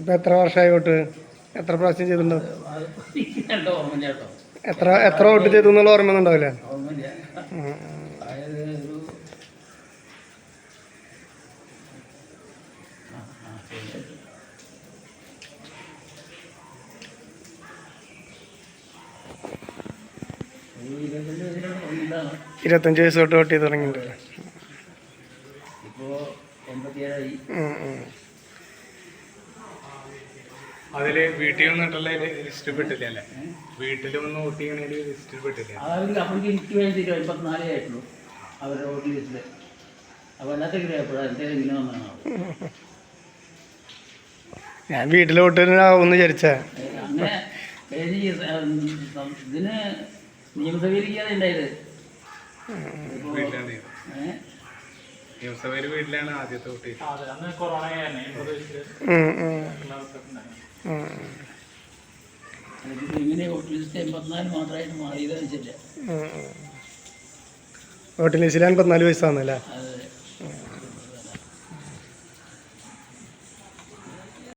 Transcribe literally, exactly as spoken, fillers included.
ഇപ്പം എത്ര വർഷമായി വോട്ട്? എത്ര പ്രാവശ്യം ചെയ്തിട്ടുണ്ടോ? എത്ര എത്ര വോട്ട് ചെയ്തു എന്നുള്ള ഓർമ്മ ഉണ്ടാവില്ല. ഇരുപത്തഞ്ച് വയസ്സ് തൊട്ട് വോട്ട് ചെയ്ത് തുടങ്ങിയിട്ടുണ്ട്. അതില് വീട്ടിൽ വന്നിട്ടുള്ള ലിസ്റ്റിൽ പെട്ടില്ല അല്ലേ? വീട്ടിൽ വന്ന് വോട്ട് ചെയ്യണേല് ലിസ്റ്റിൽ പെട്ടില്ല. എനിക്ക് വേണ്ടി എൺപത്തിനാലേ ആയിട്ടുള്ളൂ അവരുടെ വോട്ട് ലിസ്റ്റില്. അപ്പോൾ എല്ലാത്തിനും വന്നതാണ്. ഞാൻ വീട്ടിൽ വോട്ടിനാവുമെന്ന് വിചാരിച്ചാ. അങ്ങനെ ഇതിന് നിയമസഭയിലേക്കാണ് ഉണ്ടായത്. നിയമസഭയിൽ വീട്ടിലാണ് ആദ്യത്തെ വോട്ട്. ഇങ്ങനെ വോട്ട് ലിസ്റ്റ് എൺപത്തിനാല് മാത്രമായിട്ട് മാറിയതെന്ന് വെച്ചില്ല. വോട്ട് ലിസ്റ്റിൽ എൺപത്തിനാല് വയസ്സാന്നല്ലേ?